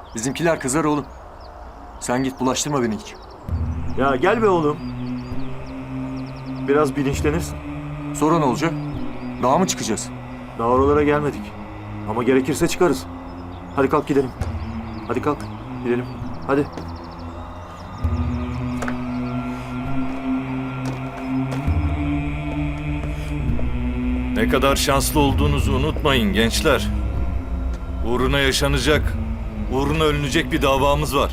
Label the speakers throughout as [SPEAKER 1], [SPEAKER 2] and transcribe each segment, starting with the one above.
[SPEAKER 1] Bizimkiler kızar oğlum. Sen git bulaştırma beni hiç.
[SPEAKER 2] Ya gel be oğlum. Biraz bilinçlenirsin.
[SPEAKER 1] Sonra ne olacak? Dağa mı çıkacağız?
[SPEAKER 2] Daha oralara gelmedik. Ama gerekirse çıkarız. Hadi kalk gidelim. Hadi kalk. Gidelim. Hadi.
[SPEAKER 3] Ne kadar şanslı olduğunuzu unutmayın gençler. Uğruna yaşanacak, uğruna ölünecek bir davamız var.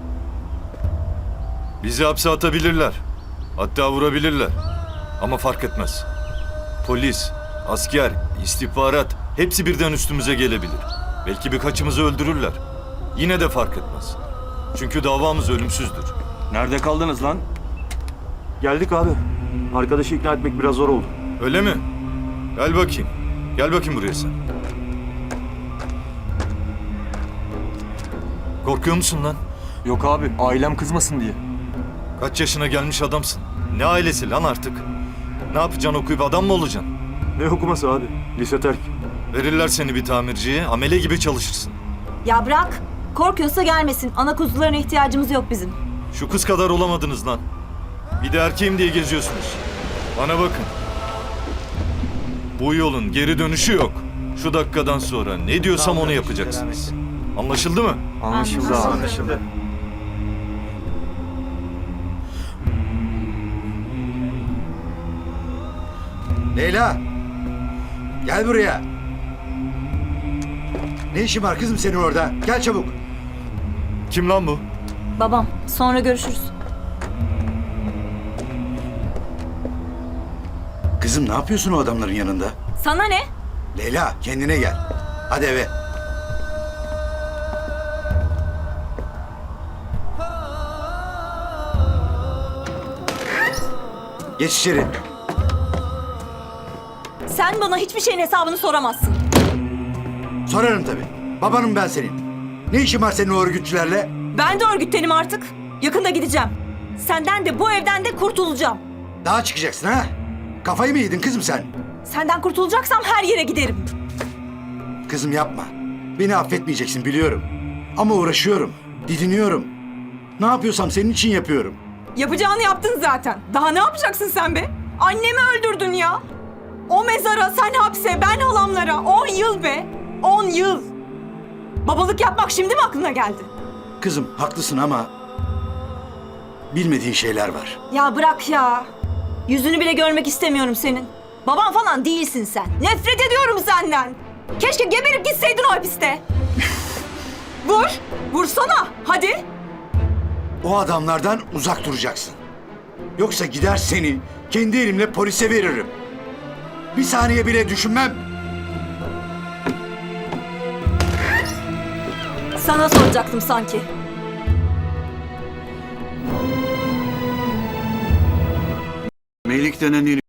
[SPEAKER 3] Bizi hapse atabilirler. Hatta vurabilirler. Ama fark etmez. Polis, asker, istihbarat hepsi birden üstümüze gelebilir. Belki birkaçımızı öldürürler. Yine de fark etmez. Çünkü davamız ölümsüzdür.
[SPEAKER 4] Nerede kaldınız lan?
[SPEAKER 2] Geldik abi. Arkadaşı ikna etmek biraz zor oldu.
[SPEAKER 3] Öyle mi? Gel bakayım. Gel bakayım buraya sen. Korkuyor musun lan?
[SPEAKER 1] Yok abi, ailem kızmasın diye.
[SPEAKER 3] Kaç yaşına gelmiş adamsın? Ne ailesi lan artık? Ne yapacaksın, okuyup adam mı olacaksın?
[SPEAKER 2] Ne okuması abi? Lise terk.
[SPEAKER 3] Verirler seni bir tamirciye, amele gibi çalışırsın.
[SPEAKER 5] Ya bırak. Korkuyorsa gelmesin. Ana kuzularına ihtiyacımız yok bizim.
[SPEAKER 3] Şu kız kadar olamadınız lan. Bir de erkeğim diye geziyorsunuz. Bana bakın. Bu yolun geri dönüşü yok. Şu dakikadan sonra ne diyorsam onu yapacaksınız. Anlaşıldı mı?
[SPEAKER 1] Anlaşıldı abi.
[SPEAKER 2] Anlaşıldı.
[SPEAKER 6] Leyla! Gel buraya. Ne işin var kızım senin orada? Gel çabuk.
[SPEAKER 3] Kim lan bu?
[SPEAKER 5] Babam. Sonra görüşürüz.
[SPEAKER 6] Kızım ne yapıyorsun o adamların yanında?
[SPEAKER 5] Sana ne?
[SPEAKER 6] Leyla kendine gel. Hadi eve. Geç içeri.
[SPEAKER 5] Sen bana hiçbir şeyin hesabını soramazsın.
[SPEAKER 6] Sorarım tabii. Babanım ben senin. Ne işin var senin o örgütçülerle?
[SPEAKER 5] Ben de örgütlenim artık. Yakında gideceğim. Senden de bu evden de kurtulacağım.
[SPEAKER 6] Daha çıkacaksın ha? Kafayı mı yedin kızım sen?
[SPEAKER 5] Senden kurtulacaksam her yere giderim.
[SPEAKER 6] Kızım yapma. Beni affetmeyeceksin biliyorum. Ama uğraşıyorum. Didiniyorum. Ne yapıyorsam senin için yapıyorum.
[SPEAKER 5] Yapacağını yaptın zaten. Daha ne yapacaksın sen be? Annemi öldürdün ya. O mezara, sen hapse, ben halamlara. 10 yıl be. 10 yıl. Babalık yapmak şimdi mi aklına geldi?
[SPEAKER 6] Kızım haklısın ama bilmediğin şeyler var.
[SPEAKER 5] Ya bırak ya. Yüzünü bile görmek istemiyorum senin. Baban falan değilsin sen. Nefret ediyorum senden. Keşke geberip gitseydin o hapiste. Vur. Vursana. Hadi.
[SPEAKER 6] O adamlardan uzak duracaksın. Yoksa gider seni kendi elimle polise veririm. Bir saniye bile düşünmem.
[SPEAKER 5] Sana soracaktım sanki.
[SPEAKER 7] Melik denen